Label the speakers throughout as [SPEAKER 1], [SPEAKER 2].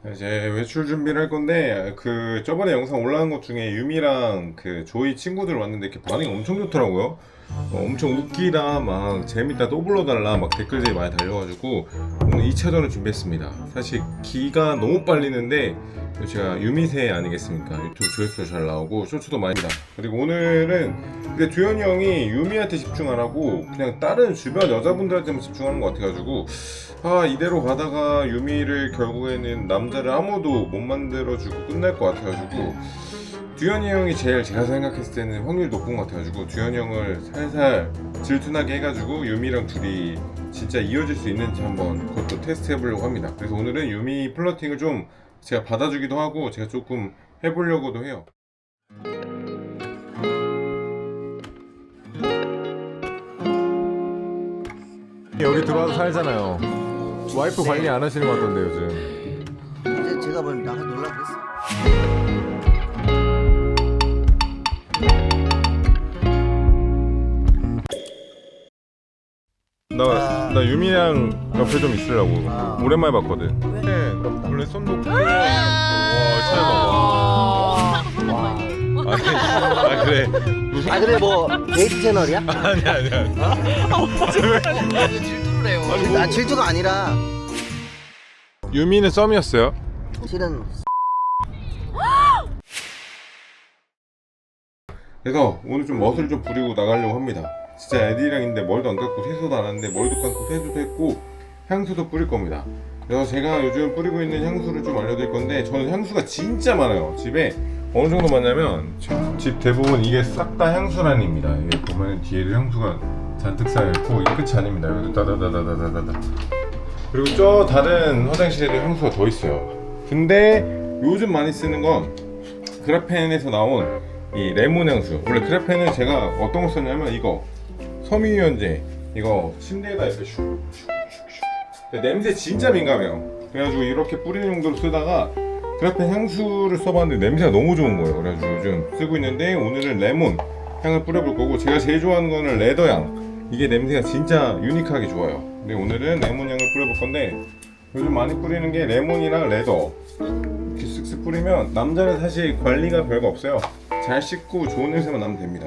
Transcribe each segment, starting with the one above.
[SPEAKER 1] 이제 외출 준비를 할 건데 저번에 영상 올라간 것 중에 유미랑 그 조이 친구들 왔는데 이렇게 반응이 엄청 좋더라고요. 엄청 웃기다 막 재밌다 또 불러달라 막 댓글들이 많이 달려가지고 오늘 2차전을 준비했습니다. 사실 기가 너무 빨리는데 제가 유미새 아니겠습니까? 유튜브 조회수도 잘 나오고 쇼츠도 많이 니다. 그리고 오늘은 근데 두현이 형이 유미한테 집중하라고 그냥 다른 주변 여자분들한테만 집중하는 것 같아가지고 이대로 가다가 유미를 결국에는 남자를 아무도 못 만들어주고 끝날 것 같아가지고 두현이 형이 제일 제가 생각했을 때는 확률이 높은 것 같아가지고 두현이 형을 살살 질투나게 해가지고 유미랑 둘이 진짜 이어질 수 있는지 한번 그것도 테스트 해보려고 합니다. 그래서 오늘은 유미 플러팅을 좀 제가 받아주기도 하고 제가 조금 해보려고도 해요. 여기 들어와서 살잖아요. 와이프 관리 안 하시는 것 같던데 요즘.
[SPEAKER 2] 이제 제가 뭘 나가 놀라 그랬어.
[SPEAKER 1] 나 유미랑 옆에 좀 있으려고 오랜만에 봤거든. 원래 손 놓고 와 잘 봐봐. 그래.
[SPEAKER 2] 아 그래 뭐 데이트 채널이야?
[SPEAKER 1] 아니야.
[SPEAKER 3] 질투를 해요.
[SPEAKER 2] 나 질투가 아니라
[SPEAKER 1] 유미는 썸이었어요.
[SPEAKER 2] 실은
[SPEAKER 1] 그래서 오늘 좀 멋을 좀 부리고 나가려고 합니다. 진짜 애들이랑 있는데 머리도 안 감고 세수도 안 하는데 머리도 감고 세수도 했고 향수도 뿌릴 겁니다. 그래서 제가 요즘 뿌리고 있는 향수를 좀 알려드릴 건데 저는 향수가 진짜 많아요. 집에 어느 정도 많냐면 집 대부분 이게 싹 다 향수란입니다. 이게 보면 뒤에도 향수가 잔뜩 쌓여있고 이게 끝이 아닙니다. 여기도 따다다다다다다. 그리고 저 다른 화장실에도 향수가 더 있어요. 근데 요즘 많이 쓰는 건 그라펜에서 나온 이 레몬 향수. 원래 그라펜은 제가 어떤 거 썼냐면 이거 섬유유연제 이거 침대에다 이렇게 슉슉슉슉 냄새 진짜 민감해요. 그래가지고 이렇게 뿌리는 용도로 쓰다가 그라펜 향수를 써봤는데 냄새가 너무 좋은 거예요. 그래가지고 요즘 쓰고 있는데 오늘은 레몬 향을 뿌려볼 거고 제가 제일 좋아하는 거는 레더향. 이게 냄새가 진짜 유니크하게 좋아요. 근데 오늘은 레몬 향을 뿌려볼 건데 요즘 많이 뿌리는 게 레몬이랑 레더 이렇게 쓱쓱 뿌리면 남자는 사실 관리가 별거 없어요. 잘 씻고 좋은 냄새만 나면 됩니다.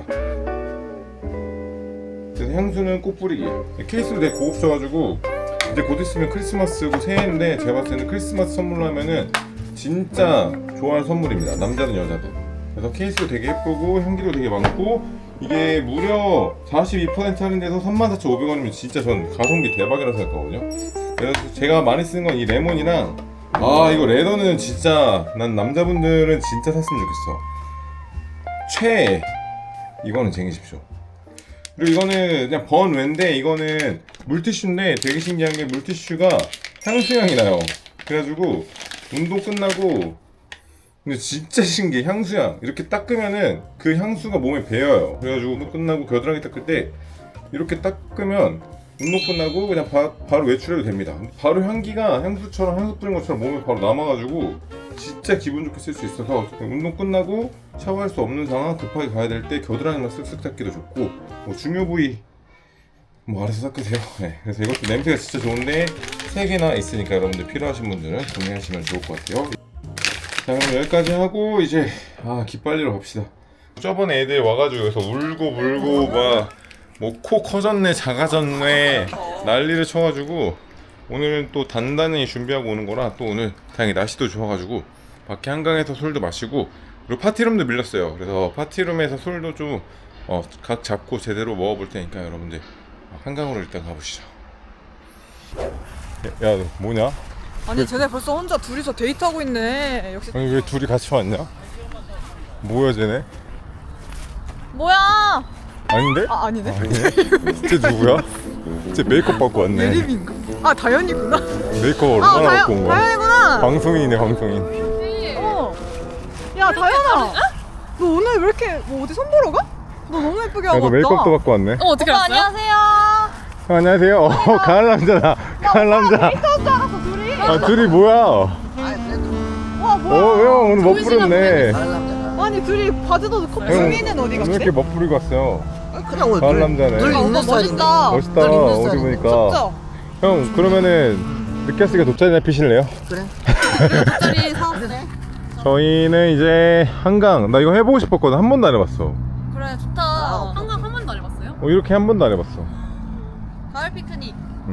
[SPEAKER 1] 그래서 향수는 꼭 뿌리기. 케이스도 되게 고급져가지고 이제 곧 있으면 크리스마스고 새해인데 제가 봤을 때는 크리스마스 선물로 하면은 진짜 좋아할 선물입니다. 남자든 여자든. 그래서 케이스도 되게 예쁘고 향기도 되게 많고 이게 무려 42% 할인돼서 34,500원이면 진짜 전 가성비 대박이라고 생각하거든요. 그래서 제가 많이 쓰는 건 이 레몬이랑 이거 레더는 진짜 난 남자분들은 진짜 샀으면 좋겠어. 최애 이거는 쟁이십시오. 그리고 이거는 그냥 번외인데 이거는 물티슈인데 되게 신기한 게 물티슈가 향수향이 나요. 그래가지고 운동 끝나고 근데 진짜 신기해. 향수향 이렇게 닦으면은 그 향수가 몸에 배어요. 그래가지고 운동 끝나고 겨드랑이 닦을 때 이렇게 닦으면 운동 끝나고 그냥 바로 외출해도 됩니다. 바로 향기가 향수처럼 향수 뿌린 것처럼 몸에 바로 남아가지고 진짜 기분 좋게 쓸 수 있어서 운동 끝나고 샤워할 수 없는 상황 급하게 가야 될 때 겨드랑이만 쓱쓱 닦기도 좋고 중요 부위 알아서 닦으세요. 네, 그래서 이것도 냄새가 진짜 좋은데 3개나 있으니까 여러분들 필요하신 분들은 구매하시면 좋을 것 같아요. 자 그럼 여기까지 하고 이제 기빨리러 갑시다. 저번에 애들 와가지고 여기서 울고 불고 막 뭐 코 커졌네 작아졌네 난리를 쳐가지고 오늘은 또 단단히 준비하고 오는 거라 또 오늘 다행히 날씨도 좋아가지고 밖에 한강에서 술도 마시고 그리고 파티룸도 밀렸어요. 그래서 파티룸에서 술도 좀 각 잡고 제대로 먹어볼 테니까 여러분들 한강으로 일단 가보시죠. 야 너 뭐냐?
[SPEAKER 3] 아니 쟤네 벌써 혼자 둘이서 데이트하고 있네. 역시.
[SPEAKER 1] 아니 왜 둘이 같이 왔냐? 뭐야 쟤네?
[SPEAKER 3] 뭐야?
[SPEAKER 1] 아닌데?
[SPEAKER 3] 아니네.
[SPEAKER 1] 쟤 누구야? 쟤 메이크업 받고 왔네.
[SPEAKER 3] 예림인가? 다현이구나.
[SPEAKER 1] 메이크업 얼마나 갖고 온 거야?
[SPEAKER 3] 다현이구나.
[SPEAKER 1] 방송인이네 방송인.
[SPEAKER 3] 야 다현아. 너 오늘 왜 이렇게 어디 선 보러 가? 너 너무 예쁘게 하고
[SPEAKER 1] 너
[SPEAKER 3] 왔다.
[SPEAKER 1] 메이크업도 받고 왔네.
[SPEAKER 3] 어떻게 알았어요? 안녕하세요.
[SPEAKER 1] 안녕하세요. 가을 남자다. 가을 남자.
[SPEAKER 3] 데이트할 줄 알았어 둘이.
[SPEAKER 1] 둘이 뭐야?
[SPEAKER 2] 아 그래도
[SPEAKER 3] 와 뭐야?
[SPEAKER 1] 형 오늘 멋부렸네.
[SPEAKER 2] 다른 남자가
[SPEAKER 3] 아니 둘이 바지도 넣고 수미는 어디
[SPEAKER 1] 왜
[SPEAKER 3] 갔지?
[SPEAKER 1] 이렇게 멋부리고 왔어요?
[SPEAKER 2] 그냥
[SPEAKER 1] 가을 남자네.
[SPEAKER 2] 늘 입는
[SPEAKER 3] 오빠
[SPEAKER 2] 스타일인데
[SPEAKER 3] 멋있다.
[SPEAKER 1] 멋있다.
[SPEAKER 2] 늘 입는
[SPEAKER 1] 옷
[SPEAKER 2] 스타일인데.
[SPEAKER 1] 입으니까.
[SPEAKER 3] 진짜?
[SPEAKER 1] 형 그러면은 늦게 왔으니까 돗자리나 피실래요?
[SPEAKER 2] 그래.
[SPEAKER 3] 짜리 사왔대.
[SPEAKER 1] 저희는 이제 한강. 나 이거 해보고 싶었거든. 한 번도 안 해봤어.
[SPEAKER 3] 그래 좋다.
[SPEAKER 2] 아,
[SPEAKER 3] 한강 한 번도 안 해봤어요?
[SPEAKER 1] 이렇게 한 번도 안 해봤어.
[SPEAKER 3] 가을 피크닉.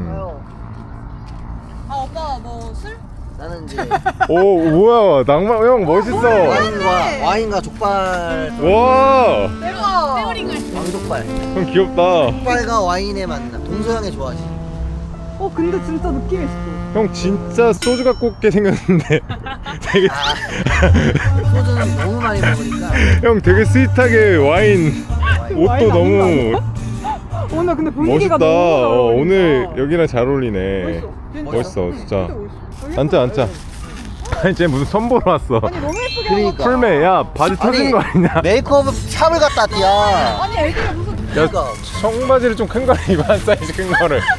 [SPEAKER 3] 아 오빠 뭐 술?
[SPEAKER 2] 나는 이제
[SPEAKER 1] 오 뭐야 낭만 형 멋있어.
[SPEAKER 2] 와인과 족발.
[SPEAKER 1] 와,
[SPEAKER 3] 대박.
[SPEAKER 2] 왕족발.
[SPEAKER 1] 형 귀엽다.
[SPEAKER 2] 족발과 와인의 만남. 동서양의 좋아하지.
[SPEAKER 3] 근데 진짜 느낌 있어.
[SPEAKER 1] 형 진짜 소주 갖고 올게 생겼는데 되게
[SPEAKER 2] 소주는 너무 많이 먹으니까.
[SPEAKER 1] 형 되게 스윗하게 와인 옷도
[SPEAKER 3] 와인
[SPEAKER 1] 너무
[SPEAKER 3] 오늘 근데 분위기가
[SPEAKER 1] 멋있다.
[SPEAKER 3] 너무 잘 어울린다.
[SPEAKER 1] 오늘 여기랑 잘 어울리네. 멋있어 진짜. 앉자 앉자. 아니 쟤 무슨 선보러 왔어.
[SPEAKER 3] 아니 너무 예쁘게
[SPEAKER 2] 그러니까.
[SPEAKER 1] 풀메 야 바지 터진 거 아니냐?
[SPEAKER 2] 메이크업 샵을 갔다 왔디야.
[SPEAKER 3] 아니 애들이 무슨
[SPEAKER 1] 야
[SPEAKER 2] 그러니까.
[SPEAKER 1] 청바지를 좀 큰 거를 입어. 한 사이즈 큰 거를. 야,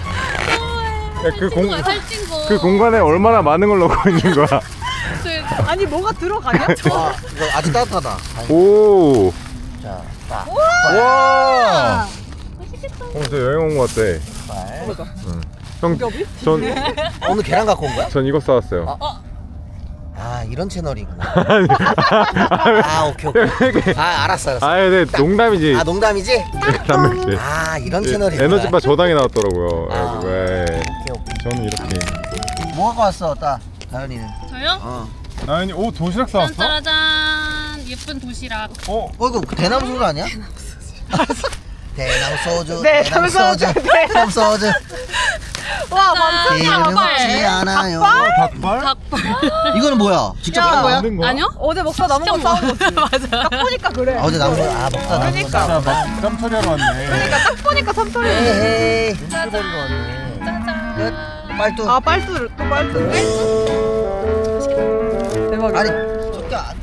[SPEAKER 1] 그 공간에 얼마나 많은 걸 넣고 있는 거야.
[SPEAKER 3] 아니 뭐가 들어가냐?
[SPEAKER 2] 와, 이거 아직 따뜻하다.
[SPEAKER 1] 오.
[SPEAKER 2] 자, 딱.
[SPEAKER 1] 와. 저 여행 온 거 같아.
[SPEAKER 2] 족발.
[SPEAKER 1] 형,
[SPEAKER 2] 오늘 계란 갖고 온 거야?
[SPEAKER 1] 전 이거 싸왔어요.
[SPEAKER 2] 아, 이런 채널이구나. 아, 오케이, 오케이. 아, 알았어.
[SPEAKER 1] 아, 네, 농담이지.
[SPEAKER 2] 아, 농담이지?
[SPEAKER 1] 단백질.
[SPEAKER 2] 아, 이런 채널이구나.
[SPEAKER 1] 에너지바 저당이 나왔더라고요.
[SPEAKER 2] 아.
[SPEAKER 1] 네.
[SPEAKER 2] 오케이, 오케이.
[SPEAKER 1] 저는 이렇게.
[SPEAKER 2] 뭐 갖고 왔어, 따? 다현이는.
[SPEAKER 4] 저요?
[SPEAKER 2] 어.
[SPEAKER 1] 아니, 오 도시락 싸왔어?
[SPEAKER 4] 짠짜라짠 예쁜 도시락.
[SPEAKER 1] 어,
[SPEAKER 2] 이거 대나무 소주 아니야? 대나무 소주.
[SPEAKER 3] 대나무 소주.
[SPEAKER 2] 대나무 소주.
[SPEAKER 3] 와 완전
[SPEAKER 2] 기름 먹지 않아요.
[SPEAKER 1] 닭발?
[SPEAKER 2] 이거는 뭐야? 직접
[SPEAKER 3] 야.
[SPEAKER 2] 한 거야?
[SPEAKER 1] 만든 거야?
[SPEAKER 4] 아니요?
[SPEAKER 3] 어제 먹다 남은 거 싸운 거지.
[SPEAKER 4] 맞아.
[SPEAKER 3] 딱 보니까 그래.
[SPEAKER 2] 아, 어제 남은 거, 아, 먹다 남은 거.
[SPEAKER 1] 자, 막 짬 처리하러 왔네.
[SPEAKER 3] 그러니까 딱 보니까 참털이.
[SPEAKER 2] 에헤이.
[SPEAKER 1] 눈치버리러 왔네.
[SPEAKER 2] 끝. 빨뚜.
[SPEAKER 3] 아 빨뚜 또 빨뚜. 대박이다.
[SPEAKER 2] 아니, 저기 안.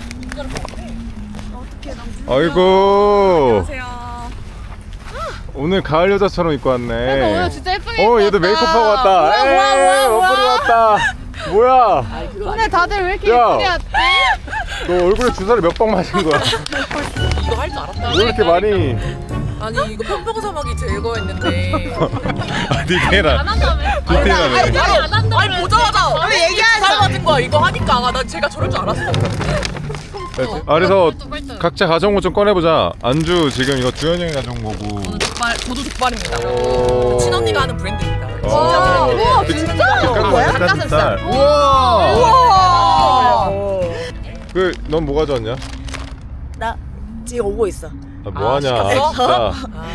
[SPEAKER 1] 아이고.
[SPEAKER 3] 안녕하세요.
[SPEAKER 1] 오늘 가을 여자처럼 입고 왔네.
[SPEAKER 3] 그러니까 오늘 진짜 예쁘게 입고
[SPEAKER 1] 얘도
[SPEAKER 3] 왔다.
[SPEAKER 1] 메이크업하고 왔다.
[SPEAKER 3] 뭐야.
[SPEAKER 1] 머리 왔다. 뭐야?
[SPEAKER 3] 오늘 다들 왜 이렇게
[SPEAKER 1] 야.
[SPEAKER 3] 예쁘게 왔지?
[SPEAKER 1] 너 얼굴에 주사를 몇 방 맞은 거야?
[SPEAKER 5] 이거 할 줄 알았다.
[SPEAKER 1] 왜 이렇게 많이?
[SPEAKER 5] 아니 이거 편보고 사막이 제거했는데.
[SPEAKER 1] 디테일한.
[SPEAKER 4] 한다며?
[SPEAKER 1] 디테일하네.
[SPEAKER 4] 안 한다며?
[SPEAKER 5] 아니 보자마자
[SPEAKER 3] 왜 얘기하지?
[SPEAKER 5] 살 맞은 거야. 이거 하니까 난 제가 저럴 줄 알았어.
[SPEAKER 1] 그래서
[SPEAKER 4] 뻘쭘.
[SPEAKER 1] 각자 가져온 거 좀 꺼내보자. 안주 지금 이거 주현이 형이 가져온 거고.
[SPEAKER 5] 저도 족발입니다.
[SPEAKER 1] 오.
[SPEAKER 5] 친언니가 하는 브랜드입니다.
[SPEAKER 1] 와,
[SPEAKER 3] 우와 진짜?
[SPEAKER 1] 닭가슴살.
[SPEAKER 3] 우와.
[SPEAKER 5] 우와.
[SPEAKER 1] 넌 뭐 가져왔냐?
[SPEAKER 5] 나 지금 오고 있어.
[SPEAKER 1] 아, 뭐 하냐?
[SPEAKER 5] 시켰어?
[SPEAKER 1] 진짜.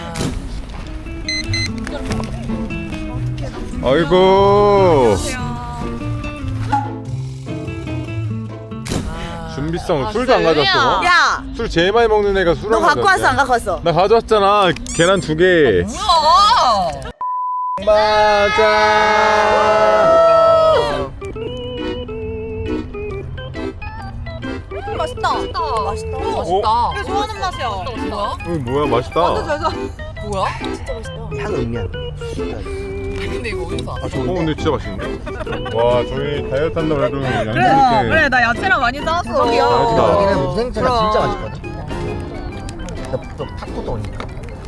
[SPEAKER 1] 아이고. 준비성 술도 안 가져왔어.
[SPEAKER 3] 야,
[SPEAKER 1] 술 제일 많이 먹는 애가 술을
[SPEAKER 3] 너 갖고 왔어 안 갖고 왔어?
[SPEAKER 1] 나 가져왔잖아. 계란 2개.
[SPEAKER 5] 뭐야?
[SPEAKER 1] 맞아.
[SPEAKER 3] 맛있다.
[SPEAKER 5] 맛있다.
[SPEAKER 1] 어?
[SPEAKER 5] 맛있다.
[SPEAKER 3] 이게 좋아하는 맛이야.
[SPEAKER 5] 뭐야?
[SPEAKER 1] 뭐야 맛있다.
[SPEAKER 5] 뭐야? 진짜 맛있다.
[SPEAKER 2] 향 음미한.
[SPEAKER 5] 근데 이거 어디서 왔어?
[SPEAKER 1] 근데 진짜 맛있는데? 와 저희 다이어트 한다고 해도 양념
[SPEAKER 3] 그래,
[SPEAKER 1] 이렇게
[SPEAKER 3] 그래 나 야채랑 많이 싸왔어.
[SPEAKER 1] 맛있다.
[SPEAKER 2] 여기는 무생채가
[SPEAKER 3] 그럼.
[SPEAKER 2] 진짜 맛있거든. 너 탁구도 오니까.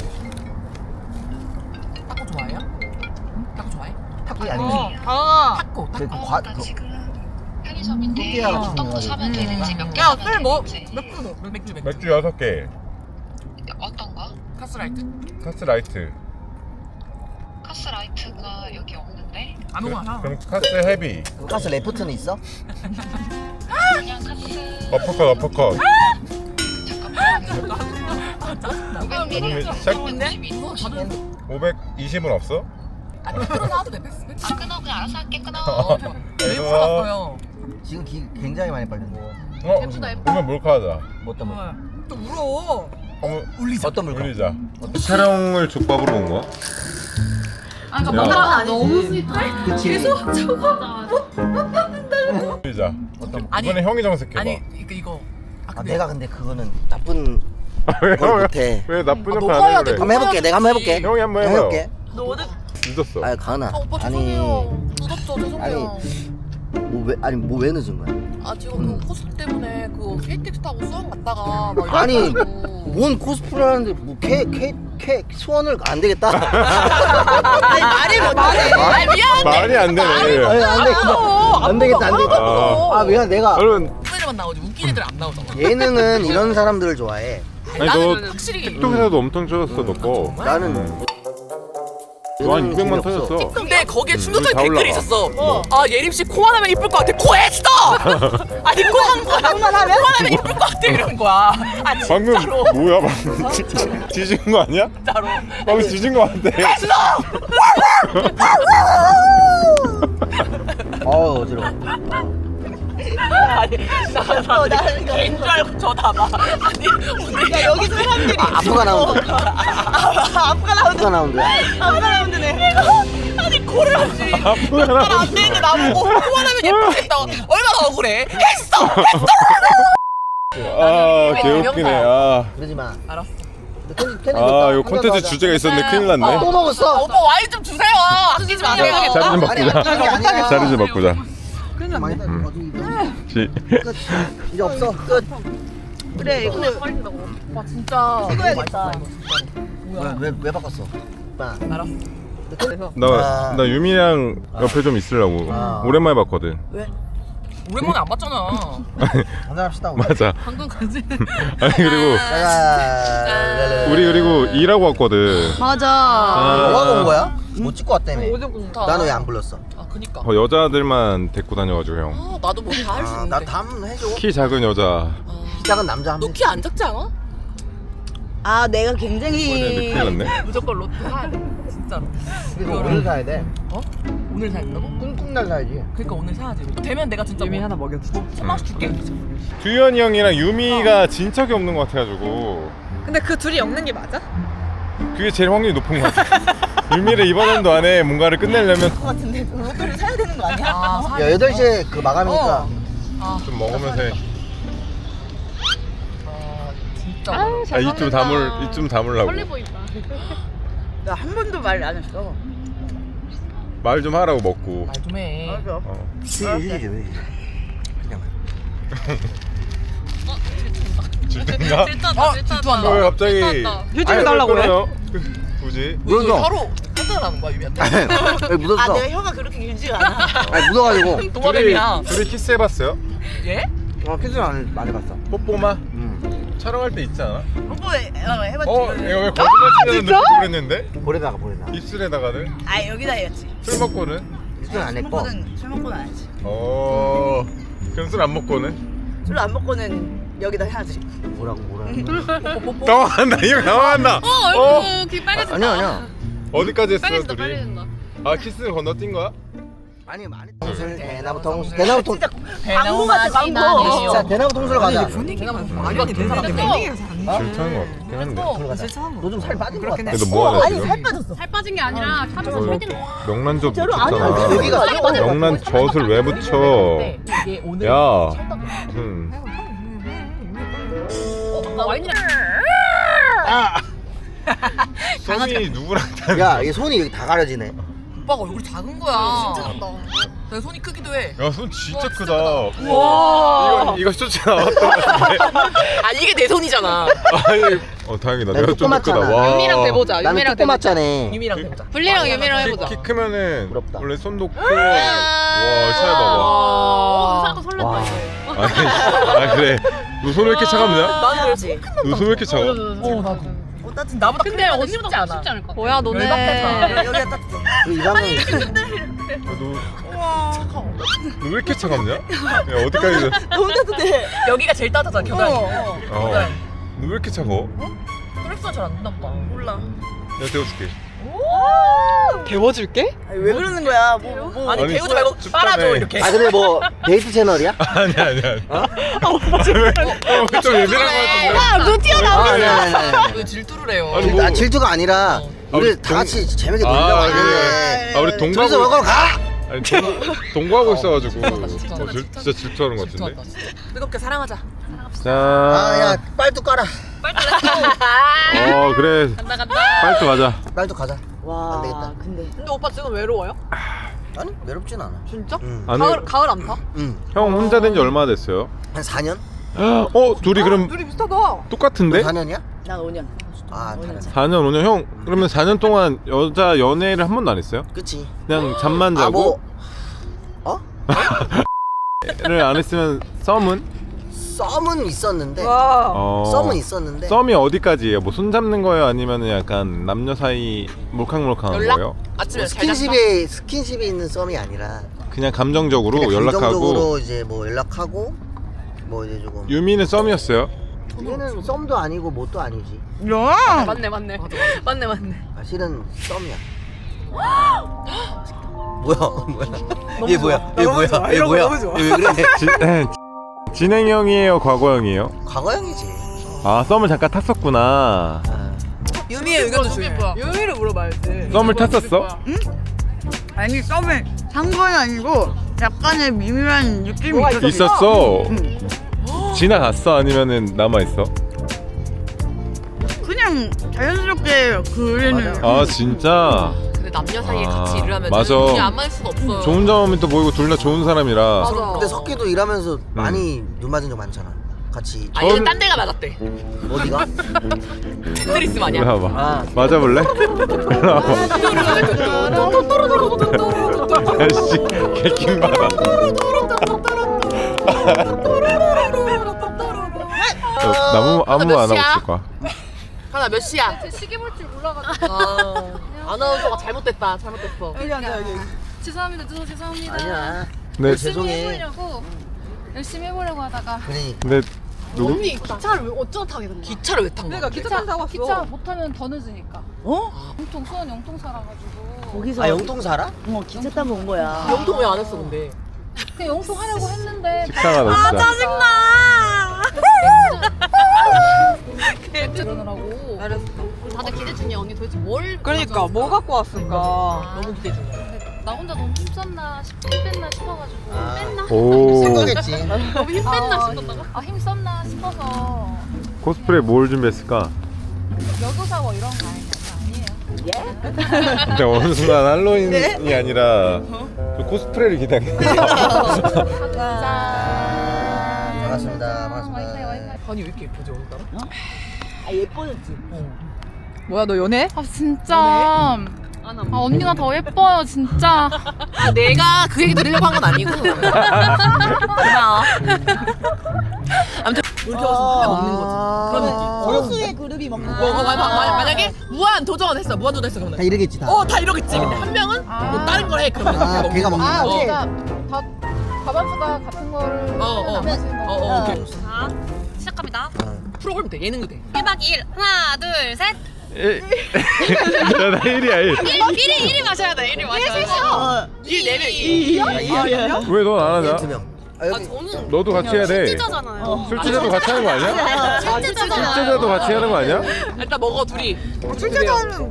[SPEAKER 5] 타코 좋아해요? 타코 좋아해?
[SPEAKER 2] 탁구 아니지?
[SPEAKER 3] 아,
[SPEAKER 5] 타코.
[SPEAKER 2] 그 과, 그
[SPEAKER 6] 편의점인데
[SPEAKER 2] 토끼야 같은
[SPEAKER 6] 어떤 거
[SPEAKER 2] 거
[SPEAKER 6] 사면 되는지 몇 개
[SPEAKER 5] 야,
[SPEAKER 6] 사면
[SPEAKER 5] 술 뭐?
[SPEAKER 6] 되는지
[SPEAKER 5] 맥주.
[SPEAKER 1] 맥주 6개.
[SPEAKER 6] 어떤 거?
[SPEAKER 5] 카스라이트?
[SPEAKER 1] 카스라이트.
[SPEAKER 6] 카스라이트가 여기 없는데
[SPEAKER 5] 아무거나.
[SPEAKER 1] 그럼 카스 헤비.
[SPEAKER 2] 그 가스 레프트는 있어?
[SPEAKER 6] 그냥 카스
[SPEAKER 1] 어퍼컷.
[SPEAKER 6] 잠깐만
[SPEAKER 1] 그러면
[SPEAKER 6] 500ml
[SPEAKER 1] 시작. 520은 없어?
[SPEAKER 5] 아니 끊어 놔도 돼. 패스.
[SPEAKER 6] 아 끊어 그냥 알아서 할게 끊어
[SPEAKER 5] 왜 풀어놨어요?
[SPEAKER 2] 지금 굉장히 많이 빨리네.
[SPEAKER 1] 오면 몰카하자.
[SPEAKER 2] 뭐 때문에?
[SPEAKER 5] 또 울어.
[SPEAKER 2] 어떤 물건?
[SPEAKER 1] 올리자. 촬영을 족밥으로 온 거야?
[SPEAKER 4] 아 그러니까 뭔가 너무 스윗해?
[SPEAKER 2] 그치.
[SPEAKER 1] 올리자.
[SPEAKER 2] 어떤
[SPEAKER 5] 아니
[SPEAKER 1] 이번에 형이 정색해봐.
[SPEAKER 5] 아니 이거.
[SPEAKER 2] 아, 내가 근데 그거는 나쁜
[SPEAKER 1] 왜,
[SPEAKER 2] 걸 못해.
[SPEAKER 1] 왜 나쁜
[SPEAKER 5] 아,
[SPEAKER 1] 역할
[SPEAKER 5] 너가
[SPEAKER 1] 안
[SPEAKER 5] 해야
[SPEAKER 1] 해
[SPEAKER 5] 돼.
[SPEAKER 1] 그래?
[SPEAKER 2] 한번 해볼게. 내가 한번 해볼게.
[SPEAKER 1] 형이 한번
[SPEAKER 2] 내가
[SPEAKER 1] 해봐요.
[SPEAKER 2] 해볼게.
[SPEAKER 5] 너 어디?
[SPEAKER 1] 늦었어.
[SPEAKER 2] 아니 가은아.
[SPEAKER 5] 아 오빠
[SPEAKER 2] 아니
[SPEAKER 5] 죄송해요. 늦었죠 죄송해요.
[SPEAKER 2] 뭐 왜 늦은 거야?
[SPEAKER 5] 아 지금 그 코스 때문에 그 KTX 타고 수원 갔다가 막
[SPEAKER 2] 아니
[SPEAKER 5] 이래가지고.
[SPEAKER 2] 뭔 코스프레 하는데 뭐 소원을 안 되겠다.
[SPEAKER 5] 아니 말이 못하네. 아 미안.
[SPEAKER 1] 말이 안 되네.
[SPEAKER 2] 아니, 안 되겠다.
[SPEAKER 1] 아.
[SPEAKER 2] 아 미안 내가
[SPEAKER 1] 여러분,
[SPEAKER 5] 후배들만 나오지 웃긴 애들 안 나오잖아.
[SPEAKER 2] 예능은 이런 사람들을 좋아해.
[SPEAKER 1] 아니
[SPEAKER 5] 나는
[SPEAKER 1] 너
[SPEAKER 5] 확실히
[SPEAKER 1] 틱톡에서도 엄청 쳐졌어 너 거.
[SPEAKER 2] 나는
[SPEAKER 1] 너한
[SPEAKER 2] 예능은
[SPEAKER 1] 200만
[SPEAKER 2] 재미없어.
[SPEAKER 1] 터졌어.
[SPEAKER 5] 근데 거기에
[SPEAKER 1] 다
[SPEAKER 5] 충격적인 댓글이
[SPEAKER 1] 올라가.
[SPEAKER 5] 있었어. 아 예림 씨 코만 하면 이쁠 것 같아. 코 했어. 아니 코한 거야. 코만 하면 이쁠 것 같아 이런 거야. 아
[SPEAKER 1] 방금
[SPEAKER 5] 진짜로.
[SPEAKER 1] 뭐야 방금 뒤진 거 아니야?
[SPEAKER 5] 진짜로.
[SPEAKER 1] 방금 뒤진 거 같아.
[SPEAKER 2] 어지러워.
[SPEAKER 5] 아니 나는 개인 줄 알고 쳐다봐. 아니 오늘 야 여기 사람들이
[SPEAKER 2] 아프가 나온다. 아프가 나온다.
[SPEAKER 5] 아니 코를 하지.
[SPEAKER 1] 아프구나.
[SPEAKER 5] 안 되는데 나보고 코만 하면 예쁘겠다. 얼마나 억울해. 했어.
[SPEAKER 1] 아 개웃기네. 아,
[SPEAKER 2] 그러지 마.
[SPEAKER 5] 알았어.
[SPEAKER 1] 아 이거 콘텐츠 주제가 있었는데 큰일 났네.
[SPEAKER 2] 또 먹었어.
[SPEAKER 5] 오빠 와인 좀 주세요. 아끼지 마세요.
[SPEAKER 1] 자리 좀
[SPEAKER 2] 아니,
[SPEAKER 1] 바꾸자.
[SPEAKER 2] 아니, 아니야.
[SPEAKER 1] 자리 좀 바꾸자.
[SPEAKER 2] 망했다.
[SPEAKER 1] 시.
[SPEAKER 2] 끝. 이제 없어. 끝.
[SPEAKER 5] 그래 이거 와 진짜
[SPEAKER 2] 이거야겠다. 왜 바꿨어? 오빠.
[SPEAKER 5] 알았어.
[SPEAKER 1] 나 유미랑 옆에 좀 있으려고.
[SPEAKER 2] 아.
[SPEAKER 1] 오랜만에 봤거든.
[SPEAKER 5] 오랜만에 안 봤잖아.
[SPEAKER 2] 한잔합시다.
[SPEAKER 1] 맞아.
[SPEAKER 4] 방금 가지.
[SPEAKER 1] 아니 그리고
[SPEAKER 2] 자.
[SPEAKER 1] 우리 그리고 일하고 왔거든.
[SPEAKER 3] 맞아.
[SPEAKER 2] 뭐하고 온 거야? 못 찍고 왔다며.
[SPEAKER 5] 어제 공타.
[SPEAKER 2] 나는 왜 안 불렀어?
[SPEAKER 5] 아 그니까.
[SPEAKER 1] 여자들만 데리고 다녀가지고 형.
[SPEAKER 5] 아 나도 뭐 다 할 수 있는데.
[SPEAKER 2] 나담 해줘.
[SPEAKER 1] 키 작은 여자.
[SPEAKER 2] 시작은 남자 한
[SPEAKER 5] 너
[SPEAKER 2] 명.
[SPEAKER 5] 키 안 작지 않아?
[SPEAKER 3] 아 내가
[SPEAKER 1] 근데
[SPEAKER 3] 굉장히
[SPEAKER 1] 큰일 났네.
[SPEAKER 5] 무조건 로또 사야 돼. 진짜로.
[SPEAKER 2] 그리고 오늘 사야 돼.
[SPEAKER 5] 어? 오늘 사야 된다고?
[SPEAKER 2] 꿍꿍날 사야지.
[SPEAKER 5] 그러니까 오늘 사야지. 되면 내가 진짜
[SPEAKER 3] 유미
[SPEAKER 5] 뭐
[SPEAKER 3] 하나 먹여주자.
[SPEAKER 5] 천만원씩 줄게.
[SPEAKER 1] 두현이 형이랑 유미가 진척이 없는 것 같아가지고
[SPEAKER 3] 근데 그 둘이 엮는 게 맞아?
[SPEAKER 1] 그게 제일 확률이 높은 것 같아. 유미를 이번 연도 안에 뭔가를 끝내려면
[SPEAKER 5] 로또를 사야 되는 거 아니야? 아, 사야
[SPEAKER 2] 야 8시에 그 마감이니까.
[SPEAKER 1] 좀 먹으면서 해.
[SPEAKER 5] 아 진짜.
[SPEAKER 1] 이쯤 담으려고.
[SPEAKER 4] 빨리 보인다.
[SPEAKER 3] 나 한 번도 말 안 했어.
[SPEAKER 1] 말 좀 하라고 먹고.
[SPEAKER 5] 말 좀 해.
[SPEAKER 1] 어.
[SPEAKER 2] 휴지 그냥.
[SPEAKER 1] 질투인가?
[SPEAKER 4] 질투한다. 질투한다.
[SPEAKER 1] 왜 갑자기?
[SPEAKER 4] 질투한다.
[SPEAKER 3] 휴지를 달라고 해?
[SPEAKER 1] 굳이?
[SPEAKER 5] 이거
[SPEAKER 2] 묻었어.
[SPEAKER 5] 혀로 한잔하는 거야 유미한테?
[SPEAKER 2] 왜 묻었어?
[SPEAKER 5] 혀가 그렇게 길지가 않아.
[SPEAKER 2] 아니 묻어가지고.
[SPEAKER 5] 도마뱀이야.
[SPEAKER 1] 둘이 키스해봤어요?
[SPEAKER 5] 예?
[SPEAKER 2] 키스는 안 해봤어.
[SPEAKER 1] 뽀뽀만? 촬영할 때 있지 않아?
[SPEAKER 5] 뽀뽀 해봤지.
[SPEAKER 1] 이거 왜 거짓말 치는 느낌 그랬는데?
[SPEAKER 2] 보내다가.
[SPEAKER 1] 입술에다가는?
[SPEAKER 5] 아 여기다 해야지.
[SPEAKER 1] 술 먹고는?
[SPEAKER 2] 키스는 안 했고.
[SPEAKER 5] 술 먹고는 안 하지.
[SPEAKER 1] 그럼 술 안 먹고는?
[SPEAKER 5] 술 안 먹고는 여기다 해야지.
[SPEAKER 2] 뭐라고.
[SPEAKER 1] 당황한다 이거 당황한다.
[SPEAKER 4] 얼굴 귀 빨개진다.
[SPEAKER 2] 아니야.
[SPEAKER 1] 어디까지 했어
[SPEAKER 4] 빨개진다.
[SPEAKER 1] 둘이?
[SPEAKER 4] 빨개진다.
[SPEAKER 1] 아 키스 건너뛴 거야?
[SPEAKER 2] 아니 많이 통술 대나무 통술 대나무 통
[SPEAKER 5] 광고 같아
[SPEAKER 2] 진짜 대나무 통술 가자.
[SPEAKER 5] 분위기가 말이 안 되는 사람들.
[SPEAKER 1] 질투하는 거 같긴 한데.
[SPEAKER 2] 너 좀 살 빠진 거 같아.
[SPEAKER 1] 근데 뭐하냐 지금?
[SPEAKER 4] 살 빠진 게 아니라 살쪄서
[SPEAKER 1] 어,
[SPEAKER 4] 살찐 거.
[SPEAKER 1] 명란젓 묻혔잖아.
[SPEAKER 2] 여기가
[SPEAKER 1] 명란젓을 왜 묻혀?
[SPEAKER 5] 이게 오늘
[SPEAKER 1] 야.
[SPEAKER 4] 와인이랑
[SPEAKER 1] 손이 누구랑
[SPEAKER 2] 야, 이 손이 여기 다 가려지네.
[SPEAKER 5] 오빠가 얼굴이 작은 거야. 진짜 작다. 내 손이 크기도 해.
[SPEAKER 1] 야, 손 진짜 크다.
[SPEAKER 5] 와.
[SPEAKER 1] 이거 쇼츠 나왔던 것 같은데.
[SPEAKER 5] 아 이게 내 손이잖아.
[SPEAKER 1] 아니, 다행이다.
[SPEAKER 2] 나
[SPEAKER 1] 내가 좀 더
[SPEAKER 2] 조그맣잖아.
[SPEAKER 1] 크다. 와.
[SPEAKER 4] 유미랑 대보자.
[SPEAKER 2] 나는
[SPEAKER 4] 유미랑
[SPEAKER 2] 조그맣잖아.
[SPEAKER 5] 유미랑 해보자.
[SPEAKER 4] 분리랑 유미랑 해보자.
[SPEAKER 1] 키 크면은
[SPEAKER 2] 부럽다.
[SPEAKER 1] 원래 손도 크고. 와, 차이 봐봐.
[SPEAKER 4] 사고 설렜다
[SPEAKER 2] 와.
[SPEAKER 4] 이거.
[SPEAKER 1] 아 그래. 너 손 왜 이렇게 차갑냐?
[SPEAKER 5] 나는 그렇지.
[SPEAKER 1] 너 손 왜 이렇게 차가?
[SPEAKER 5] 나도. 나보다
[SPEAKER 4] 근데 언니보다 더 쉽지 않을까? 뭐야
[SPEAKER 5] 열받겠다. 여기가 딱.
[SPEAKER 2] 이 사람은
[SPEAKER 1] 너 왜 이렇게 차갑냐? 야, 어디까지?
[SPEAKER 5] 너무 따뜻해. 여기가 제일 따뜻하잖아 겨드랑이.
[SPEAKER 1] 너 왜 이렇게 차가워?
[SPEAKER 5] 혈액순환 잘안 된다 보다. 몰라.
[SPEAKER 1] 내가 데워줄게.
[SPEAKER 3] 데워줄게?
[SPEAKER 5] 왜 그러는 거야? 아니
[SPEAKER 1] 아니,
[SPEAKER 5] 데우지 말고
[SPEAKER 1] 춥다며.
[SPEAKER 5] 빨아줘 이렇게.
[SPEAKER 2] 아 근데 뭐 데이트 채널이야?
[SPEAKER 1] 아니야. 좀 예민한 거 같은데.
[SPEAKER 3] 아너 튀어나오겠네.
[SPEAKER 2] 아니.
[SPEAKER 5] 왜 질투를 해요?
[SPEAKER 1] 아니, 뭐.
[SPEAKER 2] 질투가 아니라 우리
[SPEAKER 1] 우리
[SPEAKER 2] 다 같이 재밌게 놀려고
[SPEAKER 1] 아,
[SPEAKER 2] 하는데
[SPEAKER 1] 그래. 우리
[SPEAKER 2] 둘이서
[SPEAKER 1] 동거하고
[SPEAKER 2] 먹으러 가!
[SPEAKER 1] 아니 동거하고 있어가지고
[SPEAKER 5] 진짜.
[SPEAKER 1] 진짜 질투하는 것 같은데.
[SPEAKER 5] 질투한다, 진짜. 뜨겁게 사랑하자.
[SPEAKER 1] 자.
[SPEAKER 2] 아야 빨도 깔아.
[SPEAKER 1] 그래.
[SPEAKER 4] 간다.
[SPEAKER 1] 빨리 가자.
[SPEAKER 2] 빨도 가자.
[SPEAKER 3] 와.
[SPEAKER 2] 안 되겠다.
[SPEAKER 3] 근데
[SPEAKER 5] 오빠 지금 외로워요?
[SPEAKER 2] 아니 외롭진 않아.
[SPEAKER 3] 진짜?
[SPEAKER 1] 아니,
[SPEAKER 3] 가을 안 타?
[SPEAKER 1] 형 혼자 된 지 얼마나 됐어요?
[SPEAKER 2] 한 4년?
[SPEAKER 1] 둘이 그럼
[SPEAKER 3] 둘이 비슷하다.
[SPEAKER 1] 똑같은데?
[SPEAKER 2] 4년이야?
[SPEAKER 3] 난 5년.
[SPEAKER 2] 아 다른.
[SPEAKER 1] 4년 5년 형 그러면 4년 동안 여자 연애를 한 번도 안 했어요?
[SPEAKER 2] 그치.
[SPEAKER 1] 그냥 잠만 자고?
[SPEAKER 2] 아 뭐? 어?
[SPEAKER 1] 를 안 했으면 썸은?
[SPEAKER 2] 썸은 있었는데.
[SPEAKER 3] 와.
[SPEAKER 2] 썸은 있었는데.
[SPEAKER 1] 썸이 어디까지예요? 뭐 손 잡는 거예요? 아니면 약간 남녀 사이 몰캉몰캉한
[SPEAKER 5] 연락?
[SPEAKER 1] 거예요?
[SPEAKER 5] 아침에
[SPEAKER 2] 뭐
[SPEAKER 5] 잘 잤어?
[SPEAKER 2] 스킨십에 있는 썸이 아니라.
[SPEAKER 1] 그냥 감정적으로
[SPEAKER 2] 그냥
[SPEAKER 1] 연락하고.
[SPEAKER 2] 감정적으로 이제 뭐 연락하고 뭐 이제 조금.
[SPEAKER 1] 유미는 썸이었어요?
[SPEAKER 2] 얘는 썸도 아니고 뭣도 아니지.
[SPEAKER 3] 야.
[SPEAKER 4] 맞네. 맞네.
[SPEAKER 2] 아, 실은 썸이야. 뭐야? 얘 뭐야? 얘 뭐야? 얘
[SPEAKER 3] 이런 거
[SPEAKER 2] 뭐야?
[SPEAKER 3] 너무 좋아.
[SPEAKER 2] 얘 왜 그래?
[SPEAKER 1] 진행형이에요? 과거형이에요?
[SPEAKER 2] 과거형이지.
[SPEAKER 1] 아 썸을 잠깐 탔었구나.
[SPEAKER 5] 유미의 의견도 중요해.
[SPEAKER 3] 유미를 물어봐야지.
[SPEAKER 1] 썸을 탔었어?
[SPEAKER 3] 아니 썸을 탄 건 아니고 약간의 미묘한 느낌이
[SPEAKER 1] 있었어? 지나갔어? 아니면은 남아있어?
[SPEAKER 3] 그냥 자연스럽게 그래는.
[SPEAKER 1] 아 진짜?
[SPEAKER 5] 근데 남녀 사이에
[SPEAKER 1] 아,
[SPEAKER 5] 같이 일을 하면
[SPEAKER 1] 맞아.
[SPEAKER 5] 그냥 안 맞을 수가 없어요.
[SPEAKER 1] 좋은 점은 또 보이고 둘 다 좋은 사람이라.
[SPEAKER 5] 맞아.
[SPEAKER 2] 근데 석기도 일하면서 많이 눈 맞은 적 많잖아. 같이.
[SPEAKER 5] 아 얘는 딴 데가 맞았대.
[SPEAKER 2] 어디가?
[SPEAKER 5] 스트리스 마냥.
[SPEAKER 1] 이리 와봐.
[SPEAKER 2] 아.
[SPEAKER 1] 맞아볼래? 이리 와봐. 야씨 개킹 봐라. 나무 아무
[SPEAKER 5] 몇
[SPEAKER 1] 안 하고
[SPEAKER 5] 시야?
[SPEAKER 1] 있을 거야.
[SPEAKER 5] 하나 몇 시야?
[SPEAKER 4] 시계 볼 줄 몰라가지고.
[SPEAKER 5] 아나운서가 잘못됐다. 잘못됐어.
[SPEAKER 3] 여기 앉아 여기.
[SPEAKER 4] 죄송합니다. 죄송합니다.
[SPEAKER 2] 아니야.
[SPEAKER 1] 네.
[SPEAKER 4] 열심히
[SPEAKER 2] 죄송해.
[SPEAKER 4] 해보려고 열심히 해보려고 하다가
[SPEAKER 2] 그러니까.
[SPEAKER 1] 근데 누구?
[SPEAKER 4] 언니 기차를 왜 어쩌다 타게 된 거야?
[SPEAKER 5] 기차를 왜 탄 거야?
[SPEAKER 3] 내가 기차 타고 왔어.
[SPEAKER 4] 기차 못 타면 더 늦으니까.
[SPEAKER 3] 어?
[SPEAKER 4] 영통 수원 영통 살아가지고.
[SPEAKER 7] 거기서
[SPEAKER 2] 아 영통 살아?
[SPEAKER 7] 기차 타고 온 거야.
[SPEAKER 5] 영통 왜 안 했어 근데?
[SPEAKER 4] 그냥 영통 하려고 했는데.
[SPEAKER 1] 식상하다 진짜.
[SPEAKER 4] 그러느라고. 다들 기대 중이야. 언니 도대체 뭘?
[SPEAKER 3] 그러니까
[SPEAKER 4] 가져왔을까?
[SPEAKER 3] 뭐 갖고 왔을까?
[SPEAKER 5] 너무 기대 중이야.
[SPEAKER 4] 근데 나 혼자 너무 힘썼나 힘뺐나 싶어가지고
[SPEAKER 2] 아.
[SPEAKER 4] 뺐나?
[SPEAKER 1] 오.
[SPEAKER 2] 생각했지.
[SPEAKER 4] 너무 힘뺐나 싶었다고? 아 힘썼나 싶어서
[SPEAKER 1] 코스프레 뭘 준비했을까?
[SPEAKER 4] 여고사고 이런 거 아니에요.
[SPEAKER 1] 근데 어느 순간 할로윈이 아니라 저 코스프레를 기다려.
[SPEAKER 2] 반갑습니다.
[SPEAKER 5] 아니 왜 이렇게 예쁘지 오늘따라?
[SPEAKER 7] 아 예뻐졌지.
[SPEAKER 3] 뭐야 너 연애?
[SPEAKER 4] 아 진짜. 아 언니가 더 예뻐요 진짜.
[SPEAKER 5] 아 내가 그 얘기 들으려고 한 건 아니고. 고마워. 아무튼 이렇게 와서 회 먹는 거지. 그런 느낌.
[SPEAKER 7] 소수의 그룹이 먹는
[SPEAKER 5] 만약에 무한 도전 했어. 무한 도전 했어 그러면.
[SPEAKER 2] 다 이러겠지 다.
[SPEAKER 5] 다 이러겠지. 근데 한 명은 뭐 다른 걸 해. 그러면
[SPEAKER 2] 아, 걔가 먹는
[SPEAKER 4] 아
[SPEAKER 2] 거.
[SPEAKER 4] 그러니까 밥한수가 같은 거를
[SPEAKER 5] 오케이.
[SPEAKER 4] 자 시작합니다.
[SPEAKER 5] 프로그램 돼. 예능도 돼.
[SPEAKER 4] 1박 2일 하나 둘 셋.
[SPEAKER 1] 나 1이야 1.
[SPEAKER 4] 1위 마셔야 돼. 1위 마셔야 돼.
[SPEAKER 5] 4명.
[SPEAKER 1] 왜 넌 안 하냐?
[SPEAKER 2] 2명. 아
[SPEAKER 5] 아
[SPEAKER 2] 여기.
[SPEAKER 5] 저는
[SPEAKER 1] 너도 같이 해야 돼.
[SPEAKER 4] 진짜잖아요.
[SPEAKER 1] 술주자도 같이 하는 거 아니야? 술주자도 같이 하는 거 아니야?
[SPEAKER 5] 일단 먹어 둘이.
[SPEAKER 3] 출제자는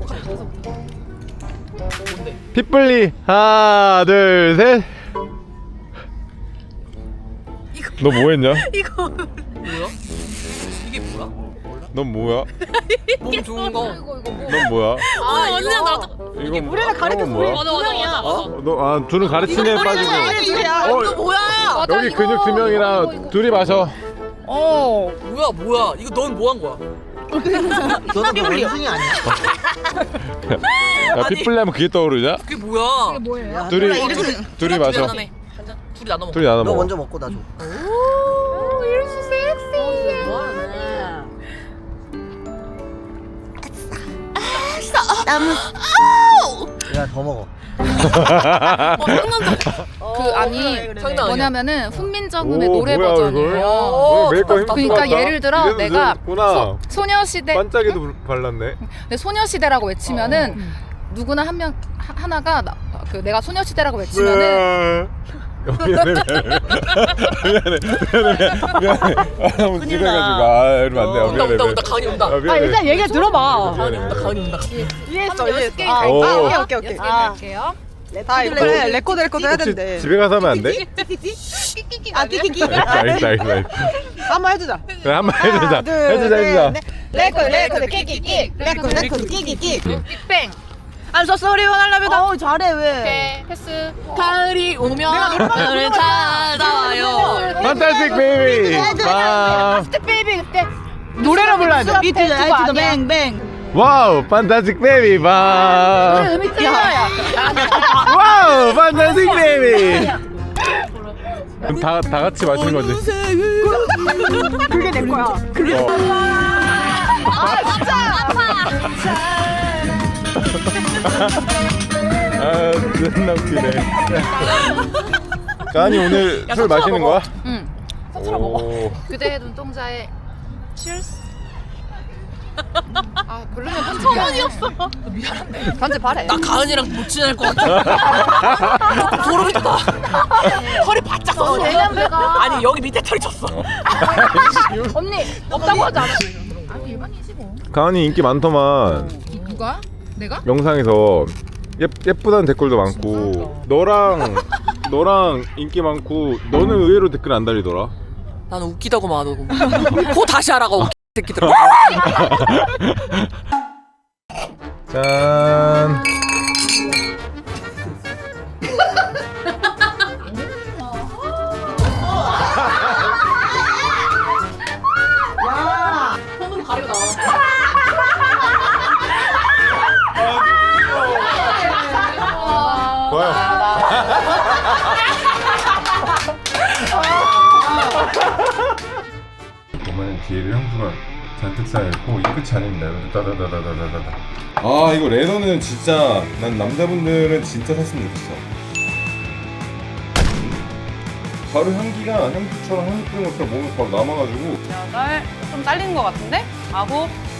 [SPEAKER 1] 핏불리 하나 둘 셋. 너 뭐 했냐?
[SPEAKER 5] 뭐야? 이게 뭐야?
[SPEAKER 1] 넌 뭐야?
[SPEAKER 5] 몸 좋은 거.
[SPEAKER 1] 넌 뭐야?
[SPEAKER 5] 아 언니랑 나도.
[SPEAKER 1] 이건 우리가 가르쳐
[SPEAKER 5] 맞아 맞아.
[SPEAKER 1] 너 둘은 가르치네 빠지고.
[SPEAKER 5] 너 뭐야?
[SPEAKER 1] 여기 근육 2명이랑 둘이 마셔.
[SPEAKER 5] 뭐야? 이거 넌 뭐 한 거야?
[SPEAKER 2] 너는 그 원숭이 아니야?
[SPEAKER 1] 야 핏불리 하면 그게 떠오르냐?
[SPEAKER 5] 그게 뭐야?
[SPEAKER 3] 뭐예요?
[SPEAKER 1] 둘이 마셔.
[SPEAKER 5] 둘이 나눠 먹어.
[SPEAKER 1] 둘이 나눠
[SPEAKER 2] 너
[SPEAKER 1] 먹어.
[SPEAKER 2] 먼저 먹고 나 줘. 야 더 먹어.
[SPEAKER 4] 그 아니
[SPEAKER 5] 장난 아니야.
[SPEAKER 4] 뭐냐면은 훈민정음의
[SPEAKER 1] 오,
[SPEAKER 4] 노래
[SPEAKER 1] 뭐야,
[SPEAKER 4] 버전이에요.
[SPEAKER 1] 이걸? 메이크업 힘
[SPEAKER 4] 그러니까
[SPEAKER 1] 들어갔다?
[SPEAKER 4] 예를 들어
[SPEAKER 1] 이래도
[SPEAKER 4] 내가
[SPEAKER 1] 늦었구나.
[SPEAKER 4] 소녀시대
[SPEAKER 1] 반짝이도 발랐네.
[SPEAKER 4] 근데 소녀시대라고 외치면은 누구나 한 명 하나가 그 내가 소녀시대라고 외치면은
[SPEAKER 1] 미안해. 너무 지루해가지고 이러면 안 돼. 미안해.
[SPEAKER 5] 온다 가은이 온다.
[SPEAKER 1] 미안해.
[SPEAKER 3] 일단 얘기 들어봐.
[SPEAKER 5] 가은이 온다.
[SPEAKER 3] 이해했어
[SPEAKER 4] 한번
[SPEAKER 3] 이해했어.
[SPEAKER 4] 게임
[SPEAKER 3] 아,
[SPEAKER 1] 오.
[SPEAKER 3] 오케이.
[SPEAKER 4] 여섯 게임 갈게요.
[SPEAKER 3] 다 이거 그래 레코드 해야
[SPEAKER 1] 혹시
[SPEAKER 3] 된대.
[SPEAKER 1] 집에 가서 하면 안 돼?
[SPEAKER 3] 아 끼끼끼.
[SPEAKER 1] 알겠어.
[SPEAKER 3] 한번 해주자.
[SPEAKER 1] 그래 한번 해주자.
[SPEAKER 3] 둘,
[SPEAKER 1] 해주자.
[SPEAKER 3] 셋, 넷. 레코드 끼끼끼. 레코드 끼끼끼.
[SPEAKER 4] 빅뱅.
[SPEAKER 3] I'm so sorry 원하려면.
[SPEAKER 7] 어 잘해 왜?
[SPEAKER 4] 오케이 패스.
[SPEAKER 5] 가을이 오면 너를 찾아와요.
[SPEAKER 1] 판타스틱 베이비.
[SPEAKER 3] 스텝 베이비 그때.
[SPEAKER 4] 노래를 불러야 돼.
[SPEAKER 7] 비트 아이트도 뱅뱅.
[SPEAKER 1] 와우, 판타스틱 베이비 바.
[SPEAKER 4] 음이 틀려요.
[SPEAKER 1] 와우, 판타스틱 베이비. 그럼 다 같이 마시는 거지.
[SPEAKER 3] 그게 내 거야.
[SPEAKER 1] 아, 존나 웃기네. 까니 오늘 술 마시는 거야?
[SPEAKER 4] 응.
[SPEAKER 1] 오.
[SPEAKER 4] 그대의 눈동자에 Cheers. 아 별로면 편집이야. 미안한데. 편집하래.
[SPEAKER 5] 나 가은이랑 못 지낼 것 같아. 소름이 돋아. 허리 바짝 섰어.
[SPEAKER 4] 내가
[SPEAKER 5] 아니 여기 밑에 털이 쳤어.
[SPEAKER 4] 언니 없다고 하지 않아? 아 일반이지 뭐.
[SPEAKER 1] 가은이 인기 많더만.
[SPEAKER 4] 누가? 내가?
[SPEAKER 1] 영상에서 예쁘다는 댓글도 많고 너랑 인기 많고 너는 의외로 댓글 안 달리더라.
[SPEAKER 5] 나는 웃기다고 말하고. 코 다시 하라고 웃기 새끼들.
[SPEAKER 1] 짠.
[SPEAKER 4] 손으로 가리고 나와.
[SPEAKER 1] 좋아요. 보면 뒤에를 향수가 잔뜩 쌓여있고 이 끝이 아닙니다. 여기 따다다다다다다. 아 이거 레더는 진짜 난 남자분들은 진짜 샀으면 좋겠어. 바로 향기가 향수처럼 향수 뿌린 것처럼 몸에 바로 남아가지고
[SPEAKER 3] 8, 좀 딸린 것 같은데? 9,